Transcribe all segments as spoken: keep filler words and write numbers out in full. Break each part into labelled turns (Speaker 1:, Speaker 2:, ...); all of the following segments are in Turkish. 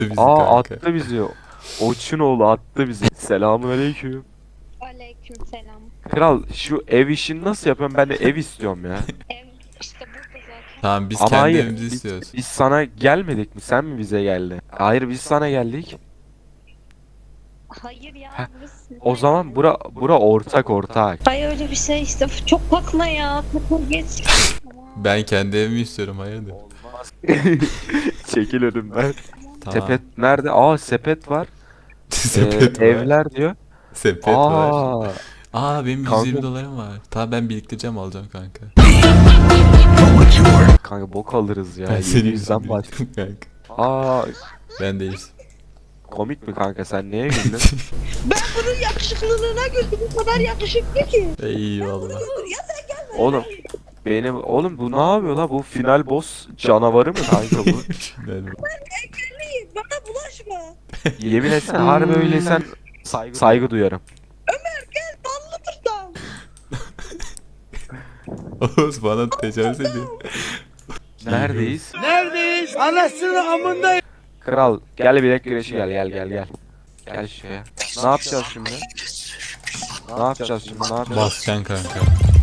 Speaker 1: bizi
Speaker 2: Aa
Speaker 1: kanka.
Speaker 2: attı bizi. Oçunoğlu attı bizi. Selamünaleyküm.
Speaker 3: Aleykümselam.
Speaker 2: Kral şu ev işini nasıl yapıyorum? Ben de ev istiyorum ya.
Speaker 3: Ev işte burada zaten.
Speaker 1: Tamam biz
Speaker 2: Ama
Speaker 1: kendi
Speaker 2: hayır.
Speaker 1: evimizi
Speaker 2: Biz,
Speaker 1: istiyoruz.
Speaker 2: biz sana gelmedik mi? Sen mi bize geldi? Hayır biz sana geldik.
Speaker 3: Hayır ya
Speaker 2: Heh,
Speaker 3: burası.
Speaker 2: O zaman bura bura ortak ortak.
Speaker 3: Hayır öyle bir şey işte. Çok bakma ya. Takıl geç.
Speaker 1: Ben kendi evimi istiyorum hayırdır.
Speaker 2: Olmaz. Çekil önümden.
Speaker 1: Tamam.
Speaker 2: Sepet nerede? Aa sepet var.
Speaker 1: Sepet
Speaker 2: Ee,
Speaker 1: var.
Speaker 2: Evler diyor.
Speaker 1: Sepet var.
Speaker 2: Aa.
Speaker 1: Aa benim
Speaker 2: Kanka.
Speaker 1: yüz yirmi dolarım var. Tamam ben biriktireceğim alacağım kanka.
Speaker 2: Kanka bok alırız ya.
Speaker 1: Ben senin
Speaker 2: yedi yüzden
Speaker 1: yüzünden
Speaker 2: baş.
Speaker 1: biriktirdim kanka.
Speaker 2: Aa
Speaker 1: Ben değil.
Speaker 2: komik mi kanka sen neye güldün?
Speaker 4: Bunun yakışıklılığına güldüm. Bu kadar yakışıklı ki.
Speaker 1: Eyvallah.
Speaker 2: Oğlum benim oğlum bu ne yapıyor la bu final boss canavarı mı kanka bu?
Speaker 1: Ben-
Speaker 4: Engelliyim. Bana bulaşma.
Speaker 2: Yemin etsene harbi öyleysen saygı, saygı duyarım.
Speaker 4: Gel ballı tutam.
Speaker 1: Oğuz bana tecavüz ediyor.
Speaker 2: Neredeyiz?
Speaker 5: Neredeyiz? Anasını amında.
Speaker 2: Kral gel bilek güreşi gel gel gel gel. Gel şuraya. Ne yapacağız şimdi? Ne yapacağız şimdi? Ne yapacağız?
Speaker 1: Basacaksın kanka.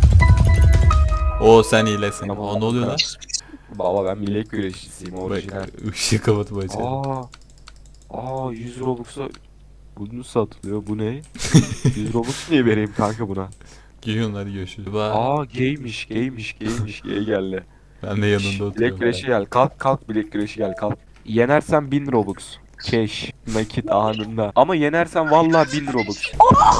Speaker 1: Oo sen iyilesin.
Speaker 2: Tamam.
Speaker 1: Aa ne oluyor lan?
Speaker 2: Baba ben bilek güreşçisiyim orijinal.
Speaker 1: Bak ışığı kapatıp açıyorum.
Speaker 2: Aa. Aa yüz Robux'a bunu satılıyor. Bu ne? yüz Robux niye vereyim kanka buna?
Speaker 1: Giyiyorsun hadi görüşürüz. Bye.
Speaker 2: Aa gaymiş gaymiş gaymiş gay geldi.
Speaker 1: Ben de yanında
Speaker 2: Şşş, bilek
Speaker 1: oturuyorum.
Speaker 2: güreşi gel. Kalk kalk bilek güreşi gel kalk. Yenersen bin Robux. Cash. Nakit anında. Ama yenersen vallahi bin Robux.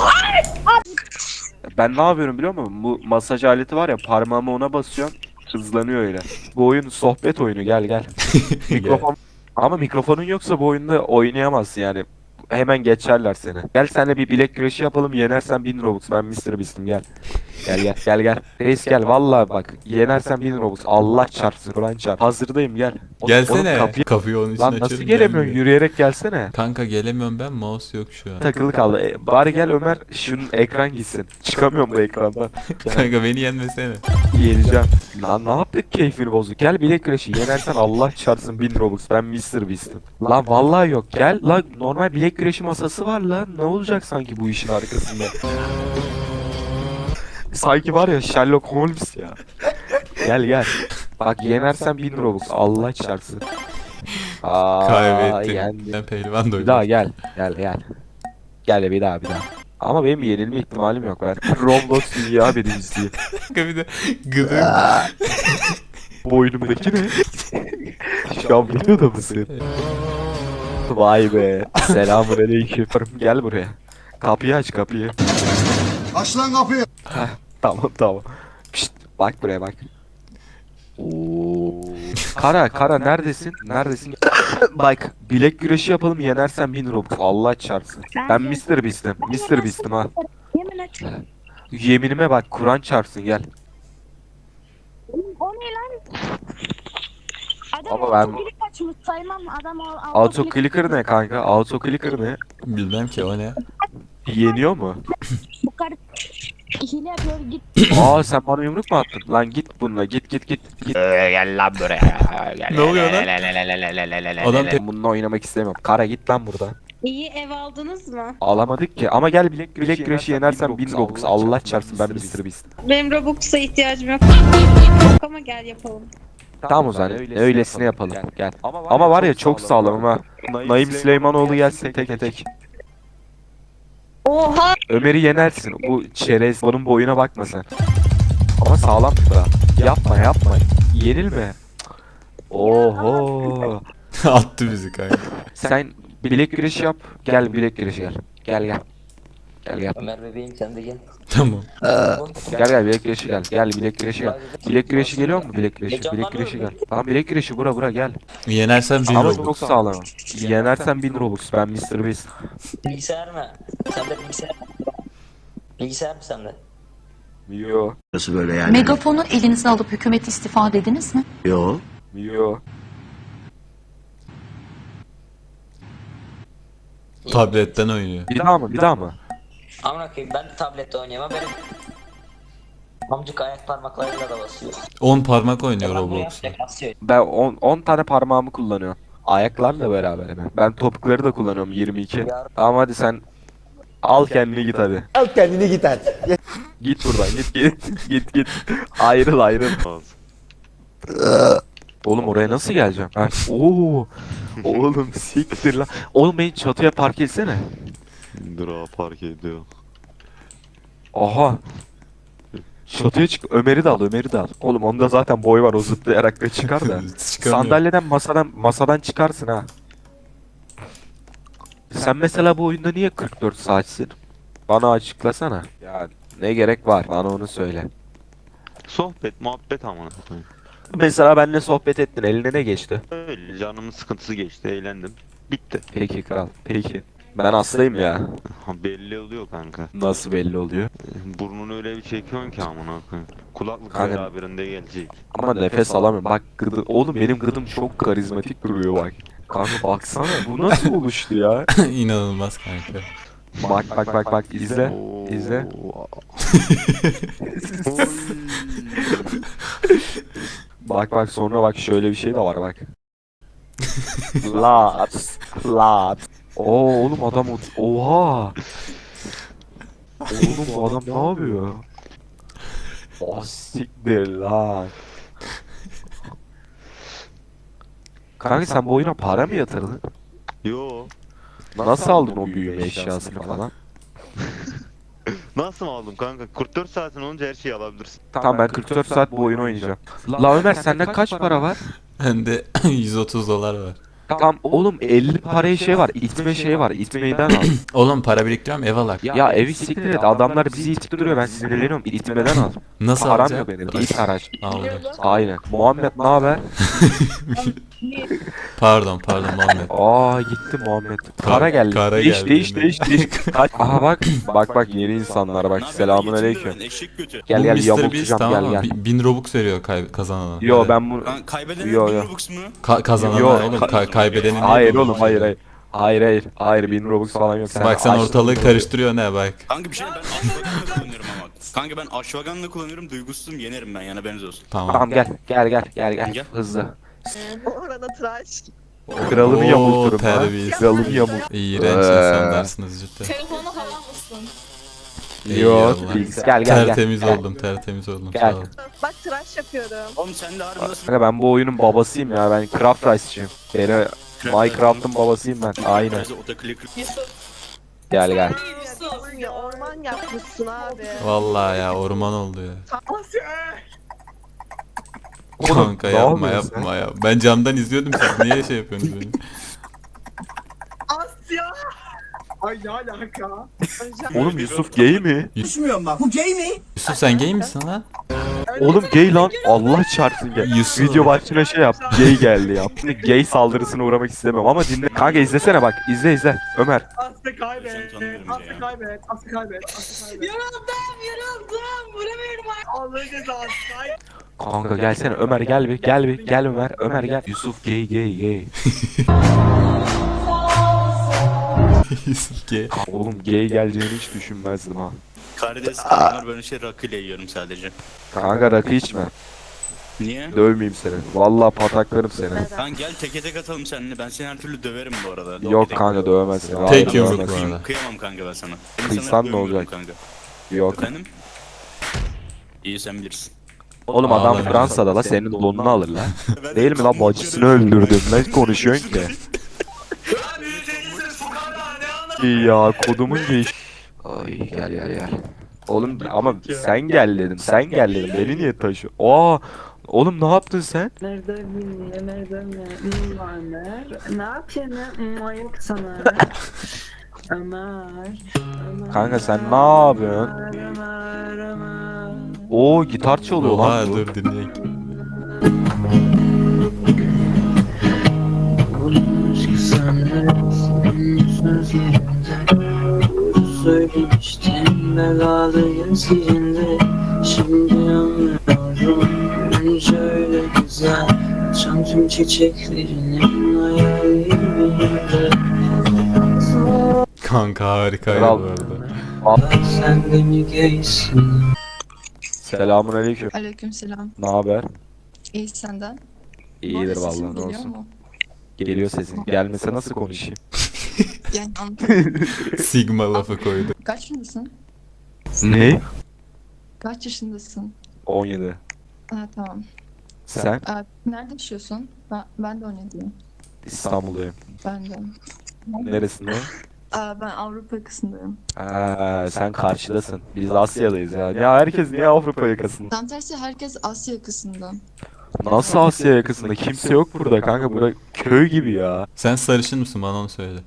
Speaker 2: Ben ne yapıyorum biliyor musun? Bu masaj aleti var ya parmağımı ona basıyorum. Hızlanıyor öyle. Bu oyun sohbet oyunu gel gel. Mikrofon. Ama mikrofonun yoksa bu oyunda oynayamazsın yani. Hemen geçerler seni. Gel senle bir bilek güreşi yapalım. Yenersen bin Robux. Ben mister Beast'im gel. Gel gel gel gel. Reis gel vallahi bak. Yenersen bin Robux. Allah çarpsın. Kur'an çarp. Hazırdayım gel. Oğlum,
Speaker 1: Gelsene.
Speaker 2: oğlum kapıyı...
Speaker 1: Kapıyı onun için
Speaker 2: Lan
Speaker 1: açıyorum.
Speaker 2: nasıl gelemiyorsun?
Speaker 1: gelmiyor.
Speaker 2: Yürüyerek gelsene.
Speaker 1: Kanka gelemiyorum ben mouse yok şu an.
Speaker 2: Takılı kaldı. E, bari gel Ömer şunun ekran gitsin. Çıkamıyorum bu ekrandan.
Speaker 1: Kanka beni yenmesene.
Speaker 2: Yeneceğim. Lan ne yaptık keyfini bozuk. Gel bilek güreşi. Yenersen Allah çarpsın bin Robux. Ben mister Beast'im. Lan vallahi yok. Gel lan normal bilek güreşi masası var lan. Ne olacak sanki bu işin arkasında? Sanki var ya Sherlock Holmes ya. Gel gel. Bak yenersen bin Robux. Allah çarpsın. Aa,
Speaker 1: Kaybettim.
Speaker 2: yendim.
Speaker 1: Ben pehlivan da
Speaker 2: Bir daha
Speaker 1: oynuyorum.
Speaker 2: gel. Gel gel. Gel bir daha bir daha. Ama benim yenilme ihtimalim yok. Ben Roblox dünya birincisiyim.
Speaker 1: Kanka bir de gıdım.
Speaker 2: Boynumdaki ne? Şu an biliyor da mısın? Vay be. Selamünaleyküm. Gel buraya. Kapıyı aç kapıyı.
Speaker 5: Aç lan kapıyı.
Speaker 2: Tamam tamam. Pişt, bak buraya bak. Oo. Kara Kara neredesin? Neredesin? Bak bilek güreşi yapalım yenersen bin Robux. Allah çarpsın. Ben mister Beast'im. mister Beast'im ha.
Speaker 4: Yemin et.
Speaker 2: Yeminime bak Kur'an çarpsın gel.
Speaker 4: O ne lan? Adam
Speaker 2: Ama ben-
Speaker 4: autoklik açmış saymam. Adam o
Speaker 2: Auto clicker ne kanka? Auto clicker ne?
Speaker 1: Bilmem ki o ne.
Speaker 2: Yeniyor mu?
Speaker 4: Bu karı hile yapıyor git.
Speaker 2: Aa sen bana yumruk mu attın? Lan git bununla git git git git. Gel lan buraya. Gel.
Speaker 1: Ne oluyor lan? Adam te-
Speaker 2: Bununla oynamak istemiyorum. Kara git lan buradan.
Speaker 3: İyi ev aldınız mı?
Speaker 2: Alamadık ki ama gel bilek bilek güreşi yenersen bin Robux. Allah çarpsın ben mister Beast.
Speaker 3: Benim Robux'a ihtiyacım yok. Yok ama gel yapalım.
Speaker 2: Tamam o zaman öylesine yapalım. Gel. Ama var ya çok sağlam ha. Naim Süleymanoğlu gelsin tek tek.
Speaker 3: Oha!
Speaker 2: Ömer'i yenersin. Bu çerez onun boyuna bakma sen. Ama sağlam da. Yapma yapma. Yenilme. Oho.
Speaker 1: attı bizi kanka.
Speaker 2: Sen bilek güreşi yap. Gel bilek güreşi gel. Gel gel. Gel gel.
Speaker 6: Ömer bebeğim sen de gel.
Speaker 1: Tamam.
Speaker 2: Gel gel bilek güreşi gel. Gel bilek güreşi gel. Bilek güreşi geliyor mu bilek güreşi? Bilek güreşi gel. Tamam bilek güreşi bura bura gel.
Speaker 1: Yenersen bin
Speaker 2: Ama
Speaker 1: Robux.
Speaker 2: çok sağlam. Yenersen bin Robux. Ben mister Beast.
Speaker 6: Bilgisayar mı? Sende bilgisayar mı? Bilgisayar mı sende?
Speaker 2: Yo.
Speaker 5: Nasıl böyle yani?
Speaker 7: Megafonu elinize alıp hükümet istifa dediniz mi?
Speaker 5: Yo.
Speaker 2: Yo.
Speaker 1: Tabletten oynuyor.
Speaker 2: Bir daha mı? Bir daha mı?
Speaker 6: Amına koyayım ben de tablette oynayamam benim. Amcık ayak parmaklarıyla da basıyor.
Speaker 1: on parmak oynuyor
Speaker 6: Yalan mı ya?
Speaker 1: Roblox'ta.
Speaker 6: Basıyor.
Speaker 2: Ben on tane parmağımı kullanıyorum. Ayaklarla beraber mi? Ben topukları da kullanıyorum yirmi iki. Tamam hadi sen al kendini git hadi.
Speaker 5: Al kendini git hadi.
Speaker 2: Git buradan git git git git. Ayrıl ayrıl. Oğlum oraya nasıl geleceğim? Ha? Oo. Oğlum siktir lan. Oğlum beni çatıya park etsene.
Speaker 8: Dur abi park ediyor.
Speaker 2: Aha. Çatıya çık. Ömer'i de al, Ömer'i de al. Oğlum onda zaten boy var, o zıplayarak da çıkar da.
Speaker 1: Çıkamıyor.
Speaker 2: Sandalyeden masadan masadan çıkarsın ha. Sen mesela bu oyunda niye kırk dört saatsin? Bana açıklasana. Ya ne gerek var? Bana onu söyle.
Speaker 8: Sohbet, muhabbet amına koyayım.
Speaker 2: Mesela benimle sohbet ettin. Eline ne geçti?
Speaker 8: Öyle canımın sıkıntısı geçti, eğlendim. Bitti.
Speaker 2: Peki kral. Peki. Ben hastayım ya.
Speaker 8: Ha, belli oluyor kanka.
Speaker 2: Nasıl belli oluyor?
Speaker 8: Burnunu öyle bir çekiyorsun ki amına koyayım. Kulaklık
Speaker 2: Kanka-
Speaker 8: beraberinde gelecek.
Speaker 2: Ama nefes alamıyorum. Bak gıdı. Oğlum benim gıdım çok karizmatik duruyor bak. Kanka baksana bu nasıl oluştu ya?
Speaker 1: İnanılmaz kanka.
Speaker 2: Bak bak bak bak izle.
Speaker 8: Oo.
Speaker 2: İzle.
Speaker 8: Oy.
Speaker 2: Bak bak sonra bak şöyle bir şey de var bak. Lat. Lat. Oo oğlum adam o- oha. Oğlum bu adam ne yapıyor? O siktir lan. Kanka sen bu oyuna para mı yatırdın?
Speaker 8: Yo.
Speaker 2: Nasıl aldın o büyüme eşyasını falan?
Speaker 8: Nasıl aldım kanka? kırk dört saatin olunca her şeyi alabilirsin.
Speaker 2: Tamam ben kırk dört saat bu oyunu oynayacağım. La Ömer sende kaç para var?
Speaker 1: Bende yüz otuz dolar var.
Speaker 2: Tamam oğlum elli paraya şey var, itme şey var, itmeyi ben al.
Speaker 1: Oğlum para biriktiriyorum ev alak.
Speaker 2: Ya evi siktir et, adamlar bizi itip duruyor, ben sinirleniyorum, itmeden al.
Speaker 1: Nasıl
Speaker 2: Param
Speaker 1: alacağım?
Speaker 2: yok benim, it araç.
Speaker 1: Aldım.
Speaker 2: Aynen. Muhammed ne haber?
Speaker 1: Pardon pardon Muhammed.
Speaker 2: Aa gitti Muhammed. Kara geldi.
Speaker 1: Kara
Speaker 2: değiş,
Speaker 1: geldi
Speaker 2: değiş,
Speaker 1: yine.
Speaker 2: değiş, değiş, Kaç. Aha bak, bak bak yeni insanlar bak. Selamun aleyküm. Gel
Speaker 1: Bu
Speaker 2: gel
Speaker 1: mister Beast
Speaker 2: yamultacağım
Speaker 1: tamam
Speaker 2: gel
Speaker 1: mı?
Speaker 2: gel.
Speaker 1: Bi- Bin robux veriyor kay- kazanana.
Speaker 2: Yo
Speaker 1: Hadi.
Speaker 2: ben bunu...
Speaker 9: Lan kaybeden
Speaker 2: Yo,
Speaker 9: bin
Speaker 2: yo.
Speaker 9: Robux mu?
Speaker 1: Ka- kazanana
Speaker 2: Yo,
Speaker 1: oğlum
Speaker 2: ka-
Speaker 1: ka- kaybedenin niye
Speaker 2: Hayır
Speaker 1: robux
Speaker 2: oğlum hayır
Speaker 1: veriyor?
Speaker 2: hayır. Hayır hayır. Hayır bin Robux falan yok.
Speaker 1: Bak sen
Speaker 2: açtın
Speaker 1: ortalığı
Speaker 2: bunu.
Speaker 1: karıştırıyor ne bak.
Speaker 9: Kanka bir şey ben Ashwagan'la kullanıyorum ama. Kanka ben Ashwagan'la kullanıyorum, duygusuzum, yenerim ben, yani haberiniz olsun.
Speaker 1: Tamam.
Speaker 2: Tamam gel gel gel gel gel.
Speaker 9: Gel.
Speaker 2: Hızlı.
Speaker 4: Orada tıraş.
Speaker 2: Kralımı
Speaker 1: Oo,
Speaker 2: yamulturum ha.
Speaker 1: terbiyesiz.
Speaker 2: Kralımı yamult.
Speaker 1: İğrenç
Speaker 2: Ee.
Speaker 1: insanlarsınız cidden.
Speaker 3: Telefonu hava mısın?
Speaker 1: İyi
Speaker 2: Yok
Speaker 1: Allah.
Speaker 2: Bilgis gel gel gel.
Speaker 1: Tertemiz
Speaker 2: Gel.
Speaker 1: oldum tertemiz oldum
Speaker 2: Gel.
Speaker 1: sağ ol.
Speaker 4: Bak tıraş yapıyorum.
Speaker 9: Oğlum sen de harbi nasıl...
Speaker 2: Kanka ben bu oyunun babasıyım ya, ben Craft Rice'ciyim. Beni Minecraft'ın babasıyım ben. Aynen. Gel gel.
Speaker 4: Ya orman yapmışsın abi.
Speaker 1: Vallahi ya orman oldu ya.
Speaker 2: Oğlum,
Speaker 1: Kanka
Speaker 2: ne
Speaker 1: yapma
Speaker 2: yapıyorsun
Speaker 1: yapma ya. Ben camdan izliyordum siz niye şey yapıyorsunuz böyle?
Speaker 5: Asya. Ay ne alaka?
Speaker 2: Oğlum Yusuf gay mi?
Speaker 5: Düşmüyorum bak. Bu gay mi?
Speaker 1: Yusuf sen gay misin lan?
Speaker 2: Oğlum gay lan. Allah çarpsın gay.
Speaker 1: Yusuf.
Speaker 2: Video başına şey yap. Gay geldi yap. Gay saldırısına uğramak istemem ama dinle. Kanka izlesene bak. İzle izle. Ömer.
Speaker 5: Asya kaybet. Asya kaybet. Asya kaybet. Asya kaybet.
Speaker 4: Yoruldum yoruldum. Vuramıyorum artık.
Speaker 5: Allah'ın cezası.
Speaker 2: Kanka gelsene Ömer gel bir gel bir gel Ömer. Ömer gel. Yusuf gay gay gay.
Speaker 1: Yusuf gay.
Speaker 2: Oğlum gay geleceğini hiç düşünmezdim ha.
Speaker 9: Karides kadınlar böyle şey rakıyla yiyorum sadece.
Speaker 2: Kanka rakı içme.
Speaker 9: Niye?
Speaker 2: Dövmeyeyim seni. Vallahi pataklarım seni.
Speaker 9: Kanka gel teke tek atalım seninle, ben seni her türlü döverim bu arada.
Speaker 2: Yok kanka dövemez seni.
Speaker 1: Tek
Speaker 2: Hayır,
Speaker 1: yumruk
Speaker 2: dövemez.
Speaker 1: bu
Speaker 9: Kıyım,
Speaker 1: arada.
Speaker 9: kıyamam kanka ben sana. Seni
Speaker 2: Kıysan
Speaker 9: sana
Speaker 2: ne
Speaker 9: dövmüyorum
Speaker 2: olacak?
Speaker 9: Kanka.
Speaker 2: Yok.
Speaker 9: Efendim? İyi sen bilirsin.
Speaker 2: Oğlum adam
Speaker 1: Ağlar.
Speaker 2: Fransa'da la senin donunu alır la. Değil mi la bacısını öldürdüm. Ne konuşuyorsun ki? İyi ya kodumun geç. Ay gel gel gel. Oğlum ama sen gel dedim. Sen gel dedim. Beni niye taşıyor? Aa oğlum ne yaptın sen?
Speaker 4: Nerede bilmiyor, nerede ne var Ömer? Ne yapıyorsun? Ayıp sana. Ömer. Ömer.
Speaker 2: Kanka sen ne yapıyorsun?
Speaker 4: Ömer, Ömer.
Speaker 2: Oo gitar çalıyor
Speaker 1: Oha
Speaker 2: lan bu.
Speaker 1: dur dinleyin.
Speaker 10: Söylemiştim belalıyım sicinde. Şimdi anlıyorum görünce öyle güzel. Açan tüm çiçeklerinin hayalinde.
Speaker 1: Kanka harikaydı
Speaker 2: Kral.
Speaker 1: bu arada.
Speaker 10: Sen de mi gaysin?
Speaker 2: Selamun aleyküm.
Speaker 3: Aleykümselam.
Speaker 2: Ne haber?
Speaker 3: İyi senden.
Speaker 2: İyidir
Speaker 3: Sesim
Speaker 2: vallahi ne
Speaker 3: geliyor
Speaker 2: olsun.
Speaker 3: mu?
Speaker 2: Geliyor sesin. Gelmese nasıl konuşayım?
Speaker 7: Yani
Speaker 1: Sigma lafı koydu.
Speaker 7: kaç yaşındasın?
Speaker 2: Ne?
Speaker 7: Kaç yaşındasın?
Speaker 2: on yedi.
Speaker 7: Ha tamam.
Speaker 2: Sen?
Speaker 7: Aa, nerede yaşıyorsun? Ben, ben de on yediyim.
Speaker 2: İstanbul'dayım.
Speaker 7: Ben de.
Speaker 2: Neresinde?
Speaker 7: Aa, ben Avrupa yakasındayım.
Speaker 2: Ha, sen karşıdasın. Biz Asya'dayız ya. Ya herkes niye Avrupa yakasında?
Speaker 7: Tam tersi herkes Asya yakasında.
Speaker 2: Nasıl Asya yakasında? Kimse yok burada kanka. Burada köy gibi ya.
Speaker 1: Sen sarışın mısın bana onu söyle.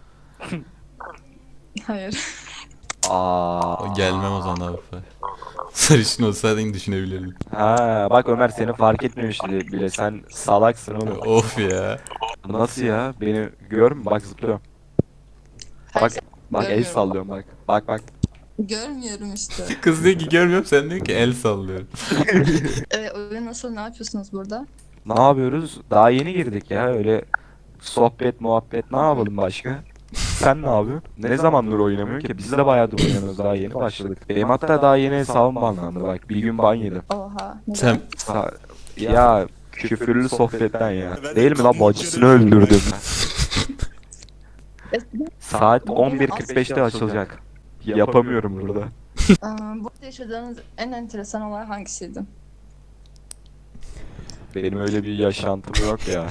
Speaker 7: Hayır.
Speaker 2: Aa.
Speaker 1: Gelmem o zaman Avrupa. Sarışın olsaydın düşünebilirdim.
Speaker 2: Ha, bak Ömer seni fark etmemişti bile. Sen salaksın oğlum.
Speaker 1: Of ya.
Speaker 2: Nasıl ya? Beni gör mü? Bak zıplıyorum. Bak, bak el
Speaker 7: Görmüyorum.
Speaker 2: sallıyorum bak. Bak bak.
Speaker 7: Görmüyorum işte.
Speaker 1: Kız diyor ki görmüyorum, sen diyor ki el sallıyorum.
Speaker 7: Ee, oyun nasıl, ne yapıyorsunuz burada?
Speaker 2: Ne yapıyoruz? Daha yeni girdik ya. Öyle sohbet, muhabbet ne yapalım başka? Sen ne yapıyorsun? Ne zamandır oynamıyorsun ki? Biz de bayağıdır oynuyoruz. Daha yeni başladık. Benim hatta daha yeni hesabım banlandı bak. Bir gün ban yedim.
Speaker 7: Oha. neden?
Speaker 1: Sen
Speaker 2: Sa- ya küfürlü sohbetten ya.
Speaker 9: Ben de
Speaker 2: Değil mi lan
Speaker 9: tam
Speaker 2: bacısını
Speaker 9: içeri-
Speaker 2: öldürdüm.
Speaker 7: Eskiden-
Speaker 2: Saat on bir kırk beşte açılacak. Yapamıyorum burada.
Speaker 7: Aa, burada yaşadığınız en enteresan olay hangisiydi?
Speaker 2: Benim öyle bir yaşantım yok ya.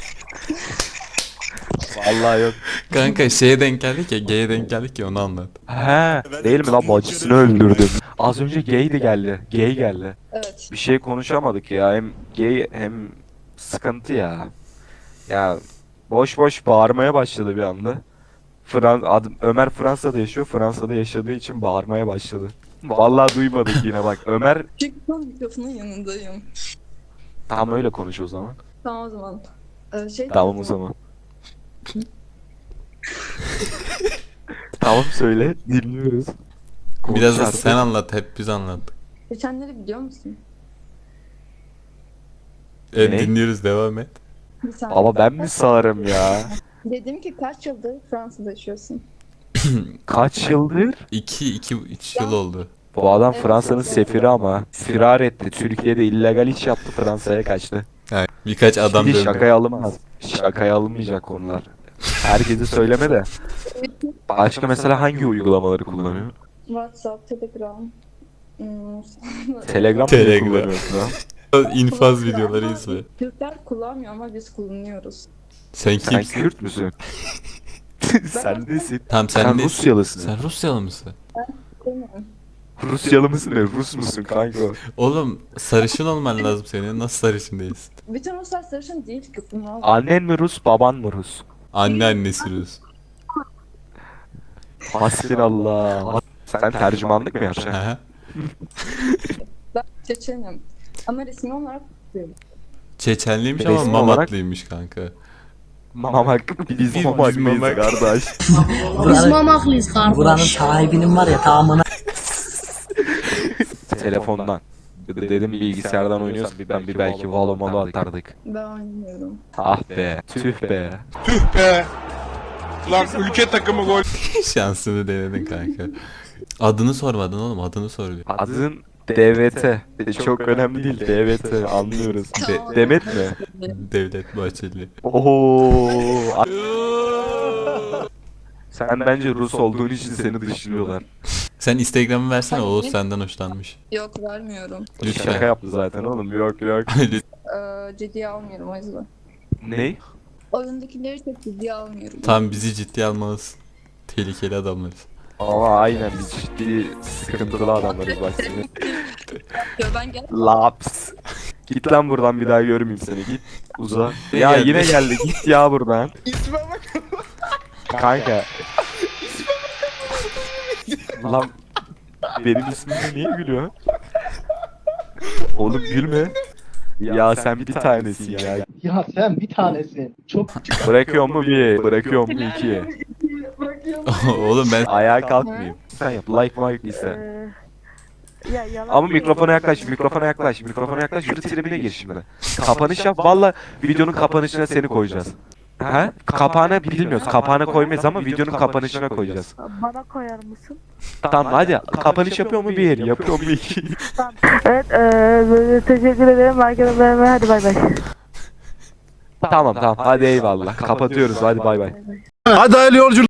Speaker 2: Vallahi yok.
Speaker 1: kanka şeye denk geldik ya, G'ye denk geldik ya, onu anlat.
Speaker 2: He, değil mi lan bacısını öldürdüm. Az önce gay de geldi. Gay geldi.
Speaker 7: Evet.
Speaker 2: Bir şey konuşamadık ya. Hem gay hem sıkıntı ya. Ya boş boş bağırmaya başladı bir anda. Fran adım Ömer Fransa'da yaşıyor. Fransa'da yaşadığı için bağırmaya başladı. Vallahi duymadık yine bak. Ömer
Speaker 7: Çünkü ben mikrofonun yanındayım.
Speaker 2: tam öyle konuş o zaman.
Speaker 7: Tamam o zaman. Ee, şey
Speaker 2: Tamam o zaman. Tamam söyle. Dinliyoruz.
Speaker 1: Biraz da
Speaker 2: Konuş
Speaker 1: sen
Speaker 2: artık.
Speaker 1: anlat, hep biz anlattık.
Speaker 7: Geçenleri biliyor musun?
Speaker 1: Evet,
Speaker 2: Ne?
Speaker 1: dinliyoruz, devam et.
Speaker 7: Bir saniye.
Speaker 2: Ama ben mi sağırım ya?
Speaker 7: Dedim ki kaç yıldır Fransa'da yaşıyorsun?
Speaker 2: Kaç yıldır?
Speaker 1: iki, iki, üç yıl oldu.
Speaker 2: Bu adam Fransa'nın sefiri ama firar etti. Türkiye'de illegal iş yaptı, Fransa'ya kaçtı.
Speaker 1: Yani birkaç adam
Speaker 2: Şimdi
Speaker 1: döndü.
Speaker 2: şakaya alınmaz. Şakaya alınmayacak konular. Herkese söyleme de. Başka mesela hangi uygulamaları kullanıyor?
Speaker 7: WhatsApp, Telegram. Hmm,
Speaker 2: Telegram mı
Speaker 1: Telegram.
Speaker 2: kullanıyorsun ha?
Speaker 1: İnfaz videoları izle.
Speaker 7: Türkler kullanmıyor ama biz kullanıyoruz.
Speaker 1: Sen
Speaker 2: Sen
Speaker 1: kimsin?
Speaker 2: Kürt müsün? Sen nesin?
Speaker 1: Tamam sen,
Speaker 2: Sen
Speaker 1: ne?
Speaker 2: Rusyalısın.
Speaker 1: Sen Rusyalı mısın?
Speaker 7: Bilmiyorum.
Speaker 2: Rusyalı mısın ne? Rus musun kanka?
Speaker 1: Oğlum sarışın olman lazım senin. Nasıl sarışın değilsin?
Speaker 7: Bütün Ruslar sarışın değil ki. Bunlar
Speaker 2: Annen mi Rus, baban mı Rus?
Speaker 1: Anne annesi Rus.
Speaker 2: Hasbinallah. Sen tercümanlık mı yapacaksın?
Speaker 1: Aha.
Speaker 7: ben Çeçenim. Ama resmi olarak Türk'üm.
Speaker 1: Çeçenliymiş ama
Speaker 2: Resmi
Speaker 1: Mamatlıymış kanka.
Speaker 2: Mamak, biz
Speaker 1: Biz
Speaker 2: mamaklıyız
Speaker 1: mamak.
Speaker 2: kardeş.
Speaker 10: Biz mamaklıyız kardeş. Buranın sahibinin var ya tamamına.
Speaker 2: Telefondan. Dedim bilgisayardan oynuyorsan bir ben bir belki valo malo atardık.
Speaker 7: Ben oynamıyorum.
Speaker 2: Ah be, tüh be.
Speaker 5: Lan ülke takımı gol.
Speaker 1: Şansını denedin kanka. Adını sormadın oğlum, adını soruyor.
Speaker 2: Adın D V T. Çok önemli değil D V T anlıyoruz. De- Demet mi?
Speaker 1: Devlet Bahçeli.
Speaker 2: Oo. Sen bence Rus olduğun için seni dışlıyorlar.
Speaker 1: Sen Instagram'ı versene,
Speaker 7: Hayır.
Speaker 1: Oğuz senden hoşlanmış.
Speaker 7: Yok vermiyorum.
Speaker 2: Şaka
Speaker 1: Lütfen.
Speaker 2: yaptı zaten oğlum. Yok yok.
Speaker 7: Ee, ciddiye almıyorum o yüzden.
Speaker 2: Ne?
Speaker 7: Oyundakileri çok ciddiye almıyorum.
Speaker 1: Tam bizi ciddiye almalısın. Tehlikeli adamlarız.
Speaker 2: Ama aynen biz ciddi sıkıntılı adamlarız bak seni.
Speaker 7: Yo, ben gel.
Speaker 2: Laps. Git lan buradan, bir daha görmeyeyim seni, git. Uza.
Speaker 1: Ne
Speaker 2: Ya
Speaker 1: geldi?
Speaker 2: yine geldi, git ya buradan.
Speaker 5: İsme bak.
Speaker 2: Kanka. Lan benim ismime niye gülüyor? Oğlum gülme. Ya sen bir tanesin ya.
Speaker 10: Ya sen bir tanesin. Çok
Speaker 2: Bırakıyor mu bir, bırakıyor mu iki.
Speaker 1: Oğlum ben
Speaker 2: Ayağa kalkmayayım. Sen yap, like like ise. Ama mikrofona yaklaş, mikrofona yaklaş, mikrofona yaklaş, yürü tribine gir şimdi. Kapanış yap, valla videonun kapanışına seni koyacağız. Ha? Kapağına bilmiyoruz, kapağına koymayız ama videonun kapanışına koyacağız.
Speaker 3: Bana koyar mısın?
Speaker 2: Tamam hadi, kapanış yapıyor mu bir, yapıyor mu iki?
Speaker 3: Evet, eee teşekkür ederim. Herkese bay bay. Hadi bay bay.
Speaker 2: Tamam tamam hadi eyvallah. Kapatıyoruz hadi bay bay.
Speaker 11: Hadi hayırlı yolculuk.